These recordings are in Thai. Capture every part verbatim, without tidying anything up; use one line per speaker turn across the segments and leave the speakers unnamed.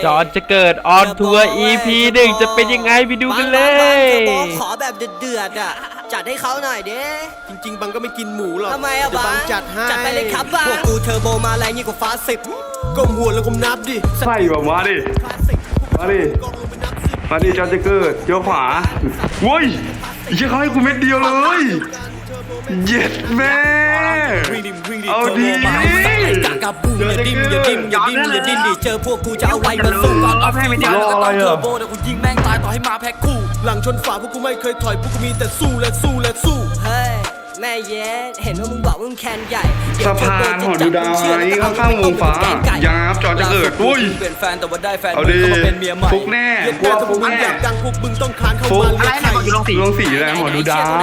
จอนจะเกิดออนทัวร์ อี พี หนึ่งจะเป็นยังไงไปดูกันเลย
ขอแบบเดือดๆอ่ะจัดให้เขาหน่อยเด้
จริงๆบังก็ไม่กินหมูหรอก
ทำไมอะบัง
จัดให้
จัดไปเลยครับบังพวกกูเทอร์โบมาแรงยิ่งกว่าฟ้าสิบ
ก้มหัวแล้วก้มนับดิ
ใส่แบบมาดิมาดิมาดิจอนจะเกิดเจ้าขวาโว้ยยังเขาให้กูเม็ดเดียวเลยเย็ดแม่เอาดี
กากาบูอย่าดิ้มอย่าดิ้มอย่าดิ้มอย่าดิ้นดิเจอพวกกูจะเอาไว้มาสู้ก่อนเอาให้ไม่ได้แล้วก็ต้องเทอร์โบเดี๋ยวกูยิงแม่งตายต่อให้มาแพ็คคู่
หลังชนฝาพวกกูไม่เคยถอยพวกกูมีแต่สู้และสู้และสู้
เฮ้ยแม่เย็ดเห็นว่ามึงบอกมึงแคนใหญ่
สะพานหอดูดาวไอ้ข้างๆวงฟ้ายาบจอจะเกิดอุ้ย
เป็นแฟนแต่ว่าได้แฟน
เอาดิฟุกแน่
พวกมึงอยากดังพวกมึงต้องคานเข้ามาเลี้ยงไข่
ลงสีลงสีอะไรหอดูดาว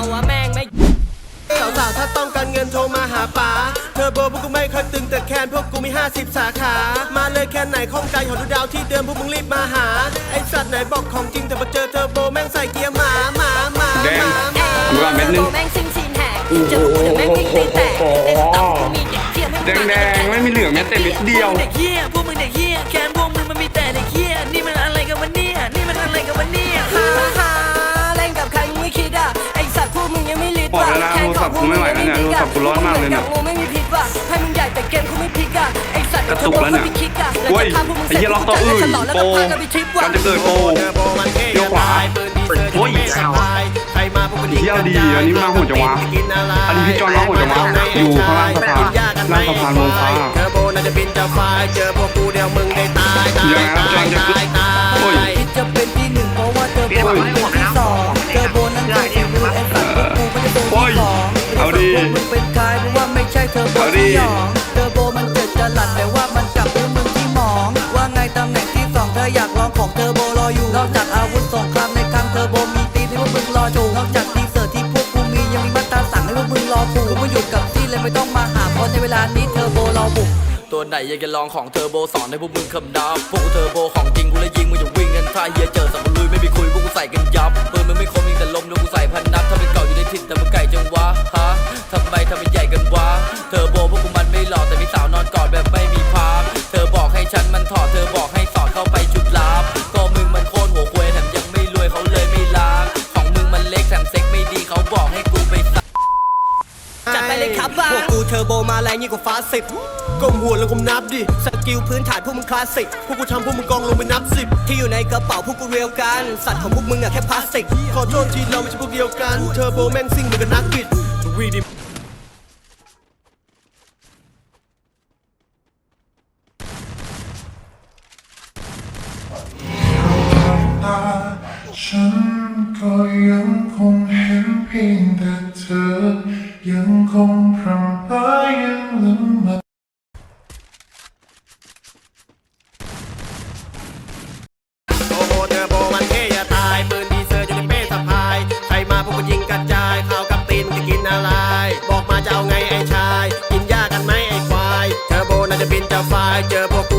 สาวๆถ้าต้องการเงินโทรมาหาป๋าเทอร์โบพวกกูไม่เคยตึงแต่แคนพวกกูมีห้าสิบสาขามาเลยแค่ไหนข้องใจหอดูดาวที่เดิมพวกมึงรีบมาหาไอสัตว์ไหนบอกของจริงแต่พอเจอเทอร์โบแม่งใส่เกียร์หมาหมาหมา
แดงดูว่าเม็ดนึง
เจอพวกกูแม่งวิ่งตีแตก
แดงแดงไม่มีเหลืองแม้แต่เม็ดเดียว
เด็กเหี้ยพวกมึงเด็กเหี้ยแคนพวกมึงมันมีแต่เด็กเหี้ยนี่มันอะไรกันวะเนี่ยนี่มันอะไรกันวะเนี่ยฮ่าฮ่าเล่นกับใครมึงไม่คิดอ่ะไอสัตว์พวกมึงยังไม่ลิด
ว่ะแค่ของพวกมึงไม่ไหวแล้วเนี่ยโทรศัพท์กูร้อนมากเลยเนี่ย
ไม่มีพิษว่ะให้มึงใหญ่แต่เกมกูไม่พลิกอ่ะไอสัตว์
กระตุกแล้วเนี่ยโอ้ยไอ้เหี้ยล็อกตัวอื่นโปกันจะเกิดโปเดี๋ยวขวาโอ้ยเที่ยวดีอันนี้มาหัวจังวะอันนี้พี่จอนร้องหัวจังวะอยู่ข้างล่างสะพานล่างสะพานวงฟ้า
เทอร์โบน่าจะบินจะไฟเจอพวกกูเดียวมึงได้ตายตายตายตายตาย
จะเป็นที่หนึ่งเพราะว่าเทอร์โบเป็นที่สองเทอร์โบนั้นคือที่มือไอ้สัตว์พวกกูไม่ได้เป็นที่สอง
เอาดี
มึงเป็นใครเพราะว่าไม่ใช่เทอร์โบที่หยองเทอร์โบมันเกิดจะหลัดแต่ว่ามันกลับด้วยมึงที่หมองว่าไงตำแหน่งที่สองเธออยากลองของเทอร์โบรออยู่นอกจากอาวุธสงครามในครั้งเทอร์โบมีตีที่พวกมึงรอจูนอกจากทีเซอร์ที่พวกกูมียังมีมาตราสั่งให้พวกมึงรอผูกกูไม่หยุดกับที่เลยไม่ต้องมาหาเพราะในเวลานี้เทอร์โบรอบุกตัวไหนอยากจะลองของเทอร์โบสอนให้พวกมึงคำนับพวกกูเทอร์โบของจริงกูเลยยิงมึงจะวิ่งกันท่าเฮียเจอสับลุยไม่มีคุยพวกกูใส่กันยับปืนมันไม่คมยิงแต่ลมแล้วกูใส่พันนัดถ้าเป็นเก่าอยู่ในถิ่นแต่มึงไก่จังวะฮะทำไมทำเป็นใหญ่กันวะเทอร์โบพวกกูมันไม่หล่อแต่มีสาวนอนกอดแบบไม่มีพามเธอบอกให้ฉันมันถอดเธอบอกให้สอดเข้าไปจุดลับก็มึงมันโคตรหัวควยแถมยังไม่รวยเขาเลยไม่ล้างของมึงมันเล็กแถมเซ็กไม่ดีเขาบอกให้กูไปจัดไปเลยครับบ้าพวกกูเทอร์โบมาแรงยิ่งกว่าฟ้าสิบ
ก้มหัวแล้วก้มนับดิ
สกิลพื้นฐานพวกมึงคลาสสิก
พวกกูทำพวกมึงกองลงไปนับสิบ
ที่อยู่ในกระเป๋าพวกกูเรียวกันสัตว์ของพวกมึงอะแค่พลาสติก
ขอโทษทีเราไม่ใช่พวกเดียวกันเทอร์โบแม่งซิ่งเหมือนกับนักบิดวีดิ
ฉันก็ยังคงเห็นเพียงแต่เธอยังคงพรำพรายังละเมอ
โอ้โหเทอร์โบมันเท่อย่าตายปืนดีเซอร์อยู่ในเป้สะพายใครมาพวกกูยิงกระจายข้าวกับตีนจะกินอะไรบอกมาจะเอาไงไอ้ชายกินยากันไหมไอ้ควายเทอร์โบน่าจะบินจะไฟเจอพวก